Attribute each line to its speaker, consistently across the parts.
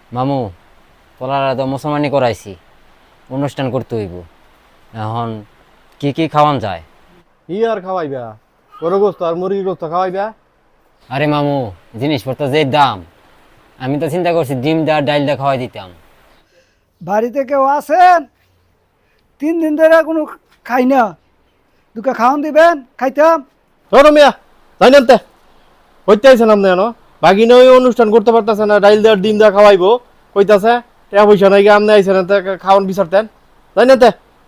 Speaker 1: মামু পোলারা তো মুসলমানি করাইছি, অনুষ্ঠান করতে হইব। এখন কি কি খাওয়ান যায়?
Speaker 2: ই আর খাওয়াইবা? গরু গোস্ত আর মুরগি গোস্ত খাওয়াইবা?
Speaker 1: আরে মামু, জিনিসপত্র যে দাম, আমি তো চিন্তা করছি ডিম দা ডাইল দা খাওয়াই দিতাম।
Speaker 3: বাড়িতে কেউ আছেন? 3 দিন ধরে কোনো খাই না, দুকে খাওয়ান দিবেন, খাইতাম।
Speaker 2: ধরো মিয়া, তাই না? হইতে আইছেন আপনি এনো বাগিনা ওই অনুষ্ঠান করতে পারতেছে না, ডাইল দেওয়ার ডিম দেওয়া খাওয়াইবো কইতাছে, টাকা পয়সা নাই গিয়ে আপনি আইছেন খাওয়ান বিচারতেন, তাই না?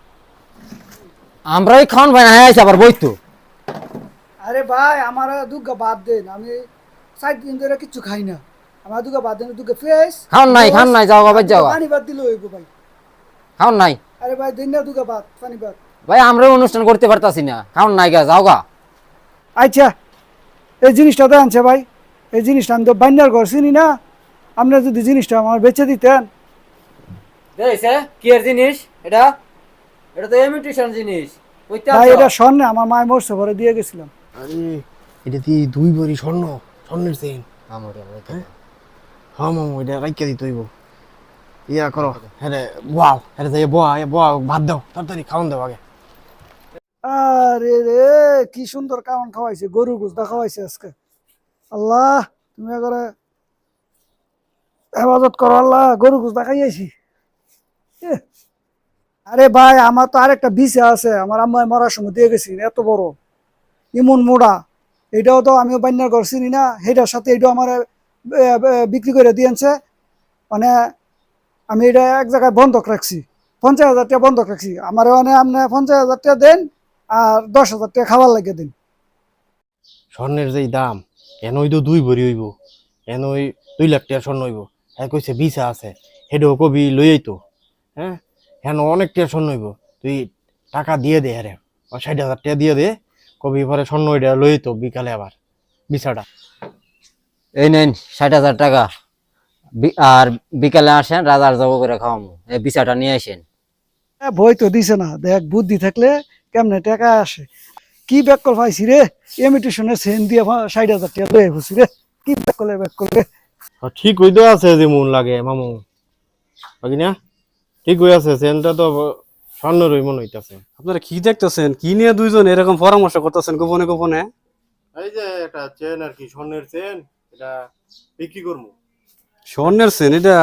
Speaker 1: আমরাই খাওয়ান ভাই না আইছে আবার বইতো।
Speaker 3: আরে ভাই, আমার দুগা বাদ দেন, আমি 4 দিন ধরে কিচ্ছু খাই না। আমার দুগা বাদ দেন, দুগা ফ্রেশ
Speaker 1: খাওন নাই যাও বাবা যাও।
Speaker 3: পানি বাদ দিলে হইব ভাই।
Speaker 1: খাওন নাই
Speaker 3: আরে ভাই দিন না, দুগা বাদ পানি বাদ।
Speaker 1: ভাই, আমরাও অনুষ্ঠান করতে পারতাছি না, খাওন নাই গা যাও গা।
Speaker 3: আচ্ছা, এই জিনিসটা তো আনছে ভাই, এই জিনিসটা আমি তো বান্যার ঘর চিনি না, আপনার যদি জিনিসটা আমার বেচে দিতেন।
Speaker 1: দেখছে কি এর জিনিস এটা? এটা তো ইমিটেশন জিনিস।
Speaker 3: ভাই এটা স্বর্ণে, আমার মায়ের মরছে পরে দিয়ে গেছিলাম।
Speaker 2: আরে এটা কি 2 ভরি স্বর্ণ, স্বর্ণের চেইন? হ্যাঁ মামু, এটা রাইখা দিতে হইব। ইয়া করো, হ্যাঁ বাও, হ্যাঁ যাই বাও, ভাত দাও, তাড়াতাড়ি খাওয়ান দাও আগে।
Speaker 3: আরে রে, কি সুন্দর কামন খাওয়াইছে, গরু গুস্তা খাওয়াইছে আজকে। আল্লাহ, তুমি করে হেফাজত করো আল্লাহ, গরু গুস্তা খাইয়াছি। আরে ভাই, আমার তো আরেকটা বিছা আছে, আমার আম্মা মরার সময় দিয়ে গেছি, এত বড় ইমন মোড়া। এটাও তো আমিও বান্যার ঘর চিনি না, সেটার সাথে এটাও আমার বিক্রি করে দিয়েছে। মানে আমি এটা এক জায়গায় বন্ধক রাখছি, 50,000 টাকা বন্ধক রাখছি। আমার মানে আপনি 50,000 টাকা দেন আর 10,000 টাকা খাবার লাগিয়ে দিন।
Speaker 2: স্বর্ণের যেই দাম, এন ওই তো 2 ভরি হইব, এন ওই 2 লাখ টাকা স্বর্ণ হইব। হ্যাঁ কইছে ভিসা আছে, হেডেও কবি লই আইতো। হ্যাঁ হ্যাঁ অনেক টাকা স্বর্ণ হইব, তুই টাকা দিয়ে দে। হ্যাঁ 60,000 টাকা দিয়ে দে, কবি পরে স্বর্ণ ওইটা লই আইতো বিকালে আবার ভিসাটা।
Speaker 1: এই নেন 60,000 টাকা, আর বিকালে আসেন রাজার জব করে খাওয়াবো। এই বিচারটা নিয়ে আসেন।
Speaker 3: বই তো দিছে না, দেখ বুদ্ধি থাকলে কেমনে টাকা আসে। কি ব্যাক কল পাইছি রে, ইমিটেশনের সেন দিয়ে 60,000 টাকা লয়ে বসি রে। কি ব্যাক করলে
Speaker 2: ঠিক হইতো আছে যেমন লাগে মামু, বাকি না ঠিক হয়ে আছে, সেনটা তো স্বর্ণেরই মনে হইতাছে।
Speaker 4: আপনারা কি দেখতেছেন? কি নিয়ে দুইজন এরকম পরামর্শ করতেছেন গোপনে গোপনে?
Speaker 2: এই যে একটা চেন আর কি, স্বর্ণের চেন, এটা বিক্রি করবো।
Speaker 4: স্বর্ণের সেন? এটা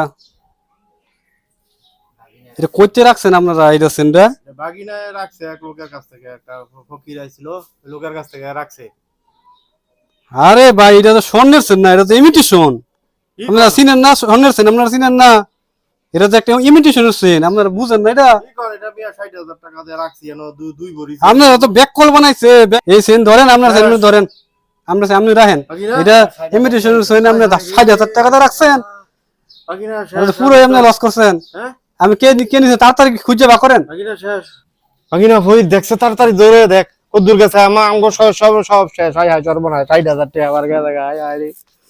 Speaker 4: এটা কইতে রাখছেন আপনারা এটা সেনটা?
Speaker 2: বাগিনায় রাখছে এক লোকের কাছ থেকে, একটা ফকির আইছিল, ওই লোকের কাছ থেকে রাখছে।
Speaker 4: আরে ভাই, এটা তো স্বর্ণের সেন না, এটা তো ইমিটেশন। আপনারা চিনেন না স্বর্ণের সেন? আপনারা চিনেন না? এটা তো একটা ইমিটেশনের সেন, আপনারা বুঝেন না? এটা
Speaker 2: কি করে, এটা 60,000 টাকা দিয়ে রাখছি, এনো দুই ভরি।
Speaker 4: আপনারা তো ব্যাক কল বানাইছে। এই সেন ধরেন, আপনার সেন ধরেন, আমরা আপনি রাখেন। এটা ইমিটেশনের সেন, আপনি 60,000 টাকা দিয়ে রাখছেন,
Speaker 2: বাগিনা
Speaker 4: পুরো আপনি লস করছেন।
Speaker 2: হ্যাঁ
Speaker 4: আমি কে কে নিছে তাড়াতাড়ি খুঁজে বা করেন।
Speaker 2: বাগিনা শেষ। বাগিনা ফরিদ দেখছে, তাড়াতাড়ি দৌড়ে দেখ কদ্দুর গেছে, আমার আমগো সব সব সব শেষ। হাই হাই সর্বনাশ, 60,000 টাকা আবার গেছে। হাই হাই রে।